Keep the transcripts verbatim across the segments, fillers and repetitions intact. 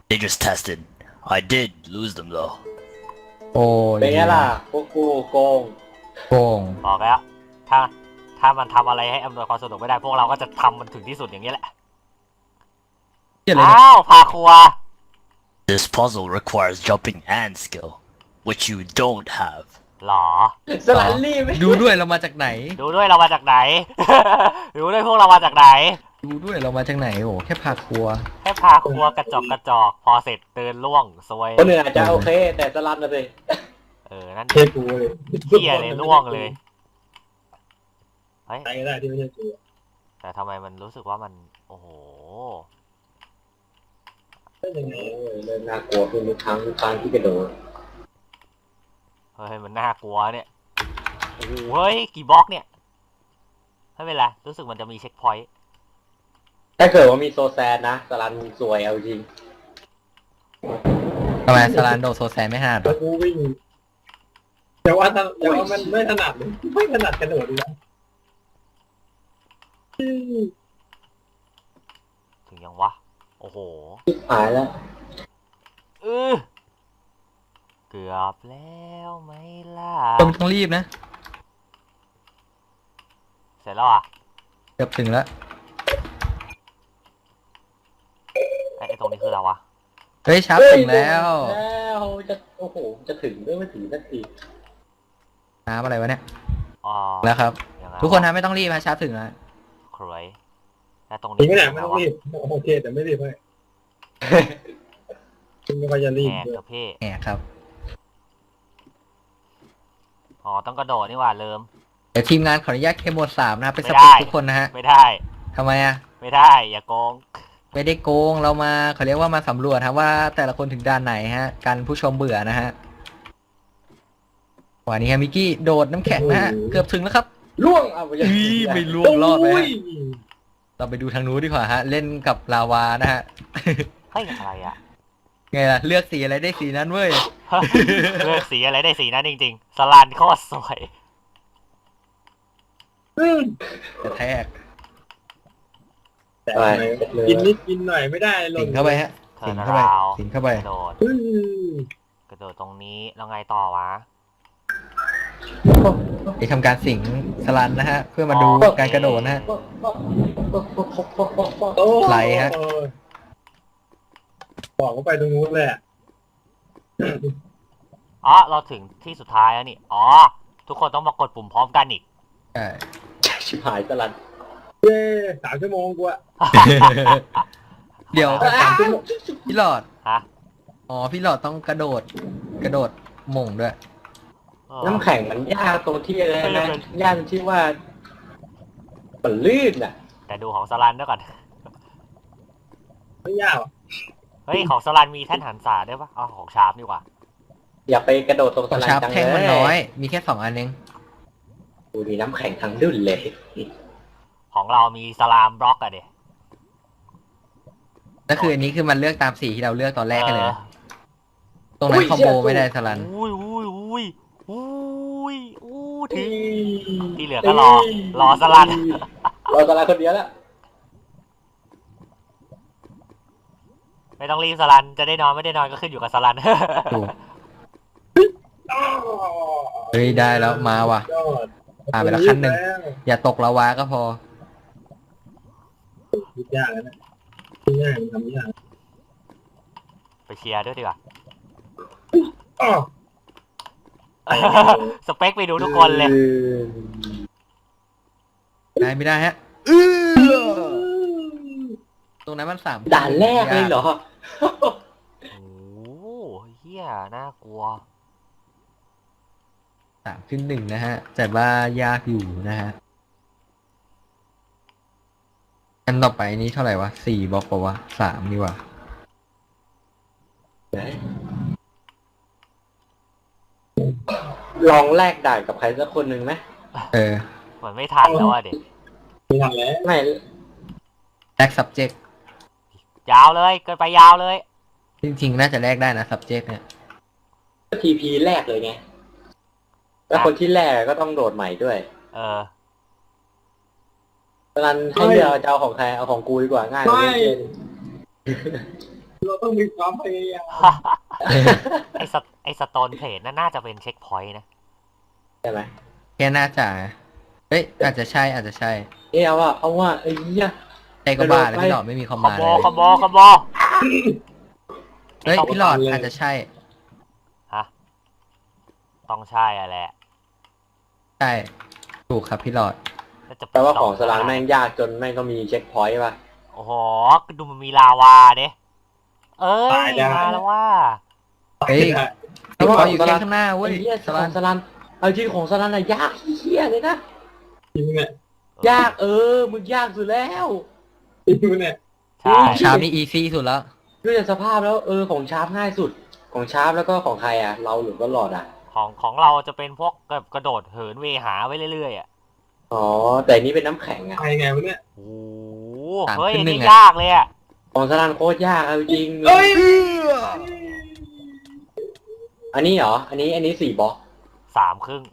They just tested. I did lose them though. โอ้ยเป็นไงล่ะพวกกูโกงโกงบอกแล้ว ถ้าถ้ามันทำอะไรให้อำนวยความสะดวกไม่ได้พวกเราก็จะทำมันถึงที่สุดอย่างนี้แหละเกี่ยอะไรเนี่ยอ้าวพาครัว This puzzle requires jumping and skill, which you don't have. หรอสลันรีบไม่ดูด้วยเรามาจากไหนดูด้วยเรามาจากไหน ดูด้วยพวกเรามาจากไหนดูด้วยเรามาจากไหนโอ้แค่พาครัวแค่พาครัวกระจอกกระจอก พอเสร็จเตือนล่วงซวยคนอื่นอาจจะโอเค แต่สลันนะสิเออ นั่นเทกูเลยเที่ยเลยล่วงเลย เฮ้ยใครก็ได้ที่ไม่ใช่กูแต่ทำไมมันรู้สึกว่ามัน โอ้โหเป็นยังไงโอ้ยเริ่มน่ากลัวขึ้นทุกครั้งทุกครั้งที่กระโดดเฮ้ย มันน่ากลัวเนี่ย โอ้โห เฮ้ย กี่บล็อกเนี่ย ไม่เป็นไร รู้สึกมันจะมีเช็คพอยต์ถ้าเกิดว่ามีโซแซนนะสลันสวยเอาจริงทำไมสลานโดโซแซนไม่ห้าดแล้วกูวิ่งแต่ว่าถ้าแต่ว่ามันไม่ถนัดเลยไม่ถนัดกระโดดเลยถึงยังวะ โอ้โหหายแล้วเออเกือบแล้วไหมล่ะต้องต้องรีบนะเสร็จแล้วอ่ะเกือบถึงแล้วไอ้ไอ้ตรงนี้คืออะไรวะเฮ้ยชับถึงแล้วแล้วจะโอ้โหจะถึงด้วยไม่ถึงสักทีน้ำอะไรวะเนี่ยอ๋อแล้วครับยังไงทุกคนนะไม่ต้องรีบฮะชับถึงแล้วครวยแล้วตรงจรินี้งไหมเนี่ยคืไม่อต้อะองไรรีวะบโอเคแต่ไม่รีบให้คุณไม่ค่อยจะรีบแหกด้วยกับเพ่แหมครับอ๋อ ต้องกระโดดนี่หว่าเริ่มเดี๋ยวทีมงานขออนุญาตเคมหมดสามนะครับเป็นสไม่เปได้คทุกคนนะฮะไม่ได้ทำไมอ่ะไม่ได้ อย่าโกงไม่ได้โกงเรามาเขาเรียกว่ามาสำรวจครับว่าแต่ละคนถึงด้านไหนฮะกันผู้ชมเบื่อนะฮะวันนี้ฮะมิกกี้โดดน้ำแข็งนะฮะเกือบถึงแล้วครับล่วงเอาไปยังอีไม่ล่วงรอดไหมฮะเราไปดูทางนู้นดีกว่าฮะเล่นกับลาวานะฮะเฮ้ย อะไรอ่ะไงล่ะเลือกสีอะไรได้สีนั้นเว้ยเลือกสีอะไรได้สีนั้นจริงๆ สลันโคตรสวยกระแทกแต่ทำไมกินนิดกินหน่อยไม่ได้หล่สินงเข้าไปฮะเทิสิร์งนเข้าไปราวสิงเข้าไปกระโดดเฮ้ยกระโดดตรงนี้ แล้วไงต่อวะไปทำการสิงสลันนะฮะ เพื่อมาดูการกระโดดนะฮะโอ้ไหลฮะบอกว่าไปตรงนู้นเลยอะอ๋อ เราถึงที่สุดท้ายแล้วนี่ อ๋อ ทุกคนต้องมากดปุ่มพร้อมกันอีกใช่ชิบหายสลันเย้สามชั่วโมงกูอะเดี๋ยวสามชั่วโมงพี่หลอดฮะอ๋อพี่หลอดต้องกระโดด กระโดดหม่งด้วยเออน้ำแข็งมันยากตรงที่อะไรนะยากตรงที่ว่ามันลื่นอ่ะแต่ดูของสลันด้วยก่อนไม่ยากหรอกเฮ้ย ของสลันมีแท่นหันษาด้วยปะเอาของชาร์ปดีกว่าอย่าไปกระโดดตรงขสองลันชาร์ปจังแท่งเลมันน้อยยมีแค่สองอันเองดูดีน้ำแข็งทั้งดุ่นเลยของเรามีสลามบล็อกอะเด็แล้วคืออันนี้คือมันเลือกตามสีที่เราเลือกตอนแรกกันเลยเออนะตรงนั้นคอมโบไม่ได้สลันอุ้ยอุ้ยอุ้ยอุ้ยอู้ถึง ที่เหลือก็รอ รอสลันรอสลันคนเดียวแล้วไม่ต้องรีบสลัน จะได้นอนไม่ได้นอนก็ขึ้นอยู่กับสลันถูกเฮ้ยได้แล้วมาว่ะยอดผ่านไปแล้วขั้นหนึ่ง อย่าตกละวาก็พอคิดยากแล้วนะคิดง่ายมันทำยากไปเชียร์ด้วยดีกว่าอ้อสเปคไปดูทุกคนเลยได้ไม่ได้ฮะตรงนั้นมันสามด่านแรกเลยเหรอโอ้โหเฮียน่ากลัวสามขึ้นหนึ่งนะฮะ แต่ว่ายากอยู่นะฮะ อันต่อไปนี้เท่าไหร่วะสี่บล็อกปะวะสามนี่วะลองแลกด่านกับใครสักคนหนึ่งไหมเออเหมือนไม่ทันแล้วอะเด็กไม่ทันแล้วไม่แลก subject ยาวเลย เกินไปยาวเลยจริงๆ น่าจะแลกได้นะ subject เนี่ยทีพีแรกเลยไง แล้วคนที่แรกก็ต้องโดดใหม่ด้วยเออสลันให้เลือกจะเอาของใครเอาของกูดีกว่าง่ายกว่าเล่นเราต้องมีความพยายามไอสไอสโตนเพลทนั่นน่าจะเป็นเช็คพอยต์นะใช่ไหมแค่น่าจะเฮ้ยอาจจะใช่อาจจะใช่เอ้ยเอาว่าเอาว่าไอ้เหี้ยไอ้ก็บ้าแล้วพี่หลอดไม่มีคอมคอมาม นโบเลยคอมโบคอมโบเฮ้ยพี่หลอดอาจจะใช่ฮะต้องใช่อะแหละใช่ถูกครับพี่หลอดแล้วจะแปลว่าของสลามแม่งยากจนแม่งก็มีเช็คพอยต์ป่ะโอ้โหดูมันมีลาวาเด้เอ้ยมาแล้วว่าเฮ้ยพี่หลอดอยู่แค่ข้างหน้าเว้ยไอ้เหี้ยสขลัอน งสลันเอาจริงของสลันอะยากเหี้ยเลยนะจริงเนี่ยยากเออมึงยากสุดแล้วจริงเนี่ยใช่ชามนี่อีซี่สุดแล้วด้วยจากสภาพแล้วเออของชาร์ปง่ายสุดของชาร์ปแล้วก็ของใครอ่ะเราหรือก็หลอดอ่ะของของเราจะเป็นพวกแบบกระโดดเหินเวหาไว้เรื่อยๆอ่ะอ๋อแต่อันนี้เป็นน้ำแข็งอ่ะไปไงวะเนี่ยโอ้โหสามเฮ้ยขึ้อันนหนึ่นี้งอะยากเลยอ่ะของสลันโคตรยากเอาจริงเอ้ยอันนี้เหรออันนี้อันนี้สี่บล็อกสามครึ่ง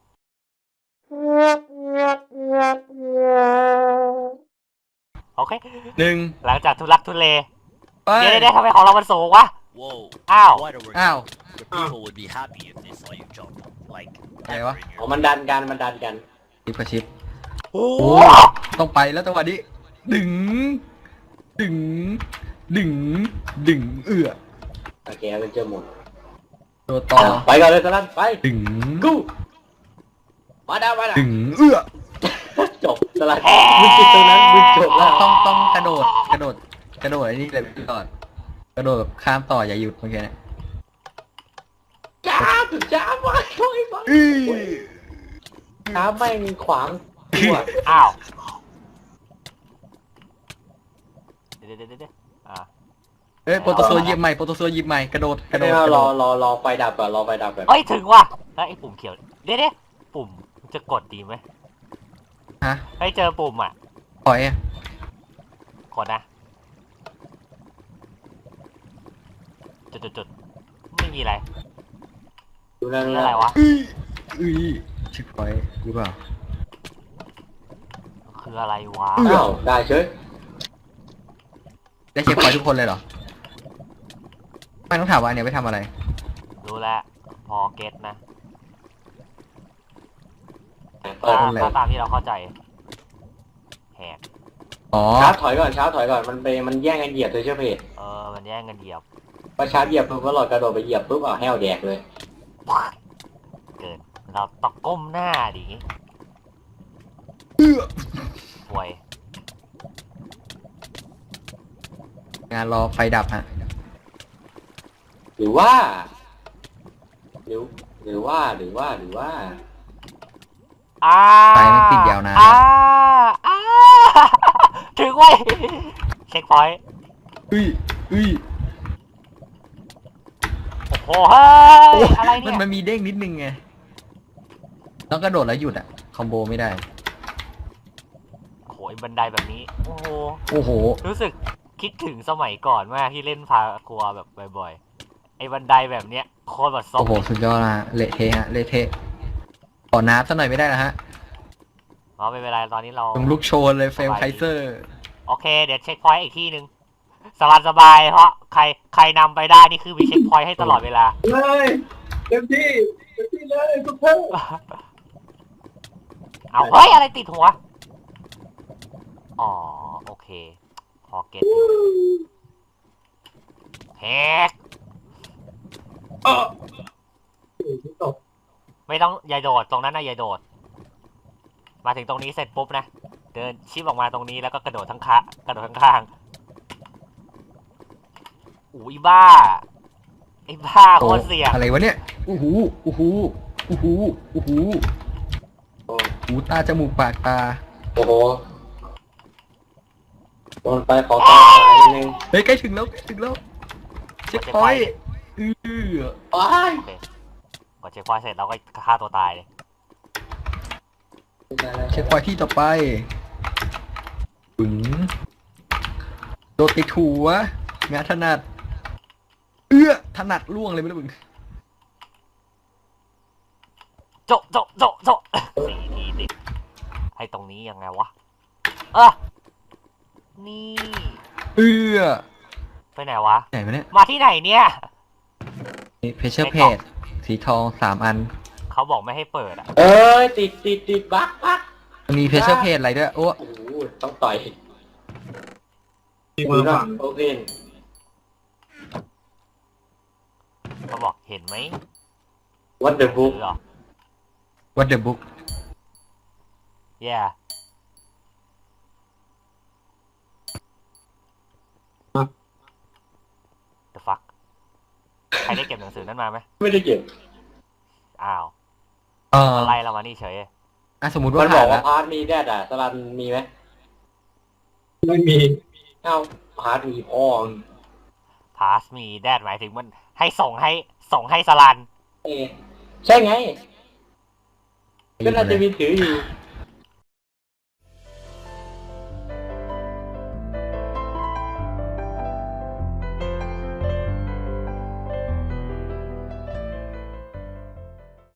โอเคหนึ่งหลังจากทุลักทุเลไปเดี๋ยวเดี๋ยวทำไมของเรามันสูงวะ Whoa. Ow. Quite a work. อ้าว The people would be happy if they saw you jump. Like, Hey, ever what? in อ๋อ your มันดันกันมันดันกันชิปกับชิปโอ้โอ้ต้องไปแล้วจังหวะนี้ดึง ดึง ดึง ดึง เอื้อโอเคเอาเป็นเจอหมดตัวต่อไปก่อนเลยสลันไปดึงกูมาดาวมาดาวดึง เอื้อจบสลันมึงติดตรงนั้นมึงจบแล้วต้องต้องกระโดด กระโดด กระโดดไอ้นี่เลยพี่ก่อน กระโดดแบบข้ามต่ออย่าหยุดเมื่อกี้เนี่ยจ้าถึงจ้ามาช่วยมาอื้อจ้าแม่งขวางตัวอ้าวเดี๋ยวเดี๋ยวเดี๋ยวเดี๋ยวอ่าเอ้ยโปรโตโซหยิบใหม่โปรโตโซหยิบใหม่กระโดดกระโดไม่ดเอากระรโดอดรอรอไฟดับก่อนรอไฟดับก่อนเอ้ยถึงว่ะแล้วไอ้ปุ่มเขียวเดี๋ยวเดี๋ยวปุ่มจะกดดีไหมฮะให้เจอปุ่มอ่ะปล่อยอ่ะกดนะจุดจุดจุดไม่มีอะไรดูนั่นคือนั่อะไรนวะอื้ออื้อชิปปล่อยหรือเปล่าคืออะไรวะอ้าวได้เฉยได้เช็คพอยต์ทุกคนเลยเหรอ ไม่ต้องถามว่าเนี่ยไปทำอะไรรู้แล้วพอเก็ตนะเปิดถ้าอะไรถ้าตามที่เราเข้าใจแหกอ๋อชาร์จถอยก่อนชาร์จถอยก่อนมันไปมันแย่งกันเหยียบเลยใช่ไหมเพจเออมันแย่งกันเหยียบพอชาร์จเหยียบปุ๊บก็หลอดกระโดดไปเหยียบปุ๊บเอาแห้วแดกเลยเกินเราต้องก้มหน้าดิงี้เอื้อห่วยงานรอไฟดับฮะหรือว่า หรือหรือว่าหรือว่าหรือว่าอ้าไฟมันติดยาวนานอ้าอ้าถึงเว้ยเช็คพอยต์อุ้ยอุ้ยโอ้โหเฮ้ยอะไรมัเนี่นยมันมีเด้งนิดนึงไงต้องกระโดดแล้วหยุดอ่ะ คอมโบไม่ได้โอ้โหไอ้บันไดแบบนี้ โอ้โหโอ้โหรู้สึกคิดถึงสมัยก่อนมากที่เล่นพาครัวแบบบ่อยๆ ไอ้บันไดแบบเนี้ยโคตรแบบซบโอ้โห สุดยอดละฮะเละเทะฮะ เละเทะ ขอน้ำสักหน่อยไม่ได้นะฮะอ๋อไม่เป็นไรตอนนี้เราต้องลุกโชนเลยเฟรมไคเซอร์โอเค เดี๋ยวเช็คพอยต์อีกที่หนึ่งสบายสบายๆเพราะใครใครนำไปได้นี่คือมีเช็คพอยต์ให้ตลอดเวลาเลยเต็มที่เต็มที่เลยทุกท่านเอาเฮ้ย อะไรติดหัว อ๋อ โอเค พอเก็ตแฮกเออตกไม่ต้องอย่าโดดตรงนั้นนะอย่าโดด มาถึงตรงนี้เสร็จปุ๊บนะ เดินชิปออกมาตรงนี้แล้วก็กระโดดทั้งขากระโดดทั้งข้างอุ้ยบ้า ไอ้บ้าโคตรเสี่ยงอะไรวะเนี่ยอู้หูอู้หูอู้หูอู้หูโอ้หูตาจมูกปากตาโอ้โหโดนไปขอตาสายนิดนึงเฮ้ยใกล้ถึงแล้วใกล้ถึงแล้ว เช็คพอยต์อืออ้ายโอเคกดเช็คพอยต์เสร็จเราก็ฆ่าตัวตายเลยเช็คพอยต์ที่ต่อไปปึ๋งโดดติดหัวงานถนัด เอื้อถนัดล่วงเลยไม่รู้มึงโจะโจะโจะโจะสี่ทีติดให้ตรงนี้ยังไงวะ เออนี่เอื้อไปไหนวะไหนวะเนี่ยมาที่ไหนเนี่ยนี่เพชเชอร์เพจสีทองสามอันเขาบอกไม่ให้เปิดอ่ะเอ้ยติดติดติดบั๊กบั๊กมันมีเพชเชอร์เพจอะไรด้วยโอ้โอ้โหต้องต่อยมีมาฝั่งโอเคเขาบอกเห็นไหมวัดเดอะบุ๊กหรอวัดเดอะบุ๊ก yeah the fuck ใครได้เก็บหนังสือนั้นมาไหมไม่ได้เก็บอ้าวเอออะไรเรามานี่เฉยอ่ะสมมติมัว่านบอผ่าก นว่าละพาร์ทมีแดดอ่ะสลันมีไหมไม่มีเอ้าพาร์ทมีพ่อ pass me that หมายถึงมันให้ส่งให้ส่งให้สลันเอใช่ไง ก็น่าจะมีถืออยู่